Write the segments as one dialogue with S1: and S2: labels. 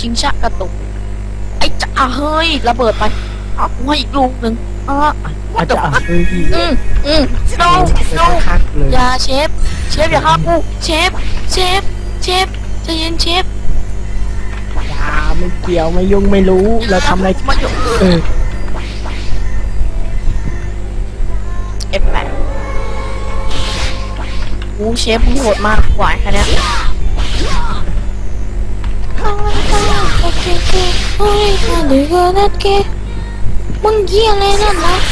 S1: ชิงชะกระตุกไอ้จ่าเฮ้ยระเบิดไปเอาหัวอีกลูกหนึ่ง
S2: อาจจะเฮ้ย
S1: no no
S2: คักเลย
S1: อย่าเชฟอย่าฆ่ากูเชฟใจเย็นเชฟ
S2: อย่าไม่เกี่ยวไม่ยุ่งไม่รู้เราทำอะไร
S1: มาอยู่F8กูเชฟมึงโหดมากไหวแค่เนี้ยมึงเยี่ยอะไรนั่นนะ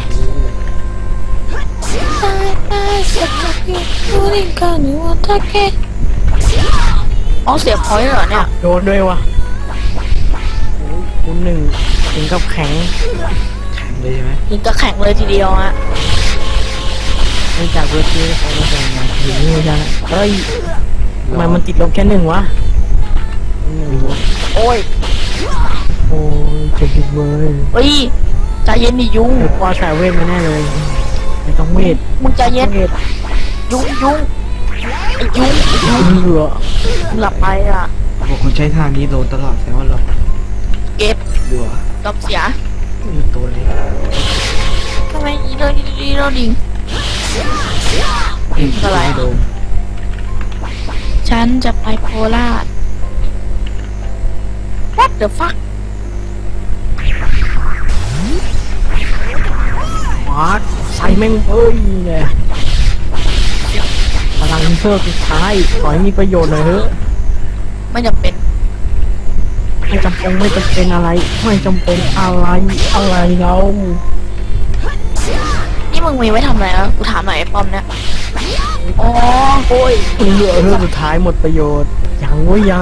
S1: อ๋อเสียพอยต์เหรอเนี่ย
S2: โดนด้วยวะคุณหนึ่งถึงกับแข็ง
S3: เลยใช่ไหม
S1: ยิงก็แข็งเลยทีเดียวฮะ
S2: ไม่จากเวทีเขาไม่ส่งมาถึงนี่ใช่ไหมเฮ้ยทำไมมันติดลบแค่หนึ่งวะ
S1: โอ้ย
S2: เจ็บเลย
S1: เฮ้ยใจเย็นดิยุง
S2: พอสายเวทมาแน่เลยไม่ต้องเวท
S1: มึงใจเย็นยุงไอ้ยุง
S2: เหลือ
S1: หลับไปอ่ะ
S3: บอกคนใช้ทางนี้โดนตลอดแสดงว่าเรา
S1: เก็บ
S3: ดูอ่ะ
S1: กับเสีย
S3: มีตัวเล็ก
S1: ทำไมอีโดดิงอะไรฉันจะไปโคราช What the fuck
S2: วัดใส่แม่งเฮ้ยเนี่ยพลังเพิ่มสุดท้ายขอให้มีประโยชน์หน่อยเถอะ
S1: ไม่จำเป็น
S2: ไม่จำเป็นอะไรไม่จำเป็นอะไรเรา
S1: นี่มึงมีไว้ทำอะไรกูถามหน่อยไอ้ปอมเนี่ยอ๋อ
S2: โอ้ยเหลือเรื่องสุดท้ายหมดประโยชน์ยัง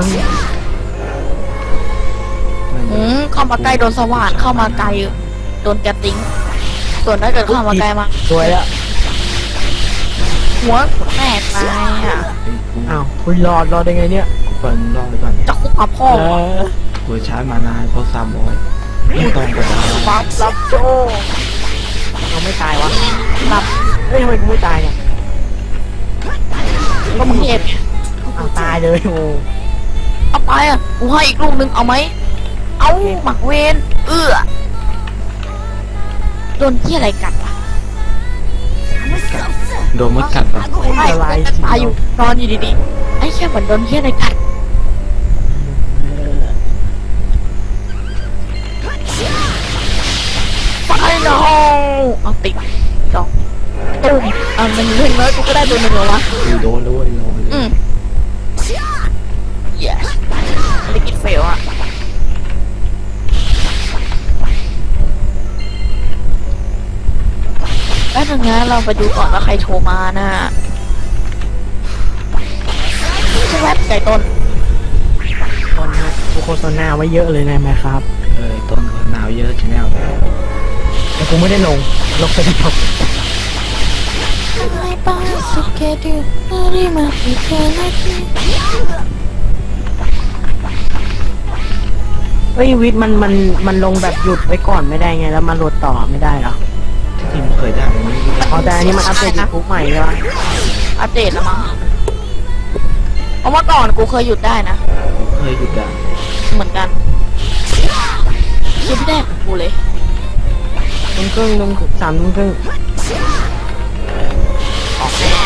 S1: เข้ามาใกล้โดนสว่านเข้ามาไกลโดนแกติ้งส่วนถ้าเกิดเข้ามาไกลมา
S2: สวยแล้ว
S1: หัวแตกไปอ่ะ
S2: อ้าวคุณรอดได้ไงเนี่ย
S3: กูเปิดรอไปก่อน
S1: จะคุกกับพ่อ
S3: กูใช้มานานเพราะ300ไม่ต้องกระดาษ
S1: ปั๊บรับโจ
S2: เราไม่ตายวะรับเฮ้ยทำไมกูไม่ตายเนี่ย
S1: ก็มึงเห็น
S2: เอาตายเลยโอ้
S1: เอาไปอ่ะกูให้อีกลูกนึงเอาไหมเอาหมักเวนโดนที่อะไรกัดวะ
S3: โดนมดกัดปะ
S1: ไม่ตายอยู่นอนอยู่ดีๆไอ้แค่เหมือนโดนที่อะไรกัดไปน้องเอาติดดอกตุ้มมันเล่นเลยกูก็ได้ตัวหนึ่งเหรอวะ
S3: โดนด้วย
S1: yes ไม่กินเฟลอ่ะแป๊บนึงนะเราไปดูก่อนว่าใครโทรมานะชื่อแวบไก่ต้น
S2: โฆษณาไว้เยอะเลยนะแม่ครับ
S3: ต้นหนาวเยอะชแนล
S2: แต่กูไม่ได้ลงไปที่จบเฮ้ยวิทย์มันลงแบบหยุดไว้ก่อนไม่ได้ไงแล้วมันโหลดต่อไม่ได้หรอ
S3: ที่มันเคยได้
S2: อ๋อแต่อันนี้มันอัปเดตยูทูบใหม่ใช่ไหม
S1: อัปเดตแล้วมั้งเพราะว่าก่อนกูเคยหยุดได้นะ
S3: เคยหยุดได้
S1: เหมือนกันหยุดไม่ได้ของกูเลย
S2: ลง3 ทุ่มครึ่ง
S1: ออกแน่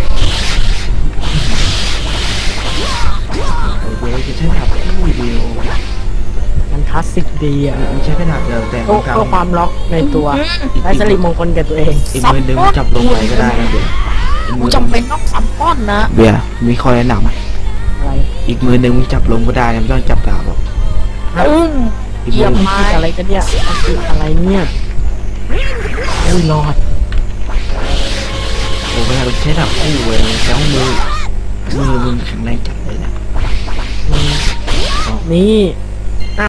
S3: โอ้ยจะใช้ถับวิดีโอ
S2: มันคลาสสิกดีอ่ะ
S3: มันใช้ขนาดเดิมแต่
S2: เพื่อความล็อกในตัวและสลิมมงคลกับตัวเอง
S3: อีกมือนึงจับลงไปก็ได้นะเดี๋ยว
S1: กูจำเป็นต้อง3 ก้อนนะ
S3: เบียร์มีข้อแนะนำ
S2: อะไร
S3: อีกมือนึงมึงจับลงก็ได้ไม่ต้องจับดาบหรอก
S1: เยี่ยมมาก
S2: อะไรกันเนี่ยอะไรเนี่ยอุ้ยรอด
S3: โอ้เวลาใช้ดาบคู่เว้ยแล้วมือมึงแข็งแรงจัดเลยนะ
S2: นี่